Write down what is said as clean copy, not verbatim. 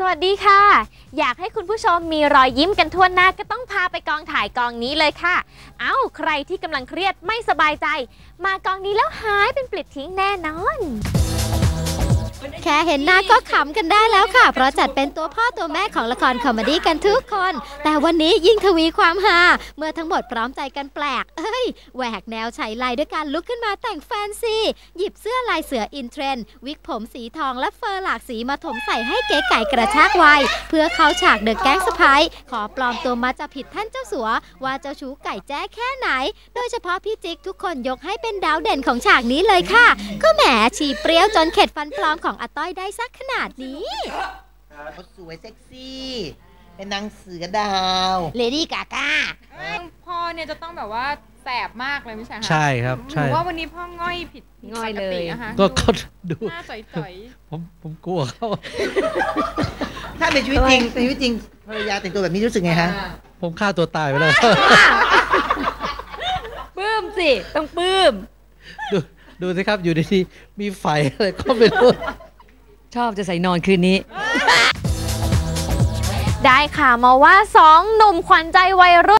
วัสดีค่ะอยากให้คุณผู้ชมมีรอยยิ้มกันทั่วหน้าก็ต้องพาไปกองถ่ายกองนี้เลยค่ะใครที่กำลังเครียดไม่สบายใจมากองนี้แล้วหายเป็นปลิดทิ้งแน่นอนแค่เห็นหน้าก็ขำกันได้แล้วค่ะเพราะจัดเป็นตัวพ่อตัวแม่ของละครคอมเมดี้กันทุกคนแต่วันนี้ยิ่งทวีความฮาเมื่อทั้งหมดพร้อมใจกันแปลกแหวกแนวฉายไลด้วยการลุกขึ้นมาแต่งแฟนซีหยิบเสื้อลายเสืออินเทรนด์วิกผมสีทองและเฟอร์หลากสีมาถมใส่ให้เก๋ไก่กระชากวัยเพื่อเข้าฉากเดอะแก๊งสไปร์ขอปลอมตัวมาจะผิดท่านเจ้าสัวว่าเจ้าชู้ไก่แจ้แค่ไหนโดยเฉพาะพี่จิ๊กทุกคนยกให้เป็นดาวเด่นของฉากนี้เลยค่ะก็แหมฉี่เปรี้ยวจนเข็ดฟันปลอมของอาต้อยได้สักขนาดนี้เขาสวยเซ็กซี่เป็นนางเสือดาวเลดี้กาก้าพ่อเนี่ยจะต้องแบบว่าแสบมากเลยไม่ใช่คะใช่ครับใช่ว่าวันนี้พ่อง่อยผิดง่อยเลยนะคะก็ดูหน้าจ่อยผมกลัวเขาถ้าในชีวิตจริงภรรยาแต่งตัวแบบนี้รู้สึกไงฮะผมฆ่าตัวตายไปเลยปลื้มสิต้องปลื้มดูสิครับอยู่ดีๆมีไฟอะไรก็ไม่รู้ชอบจะใส่นอนคืนนี้ได้ข่าวมาว่า2 หนุ่มขวัญใจวัยรุ่น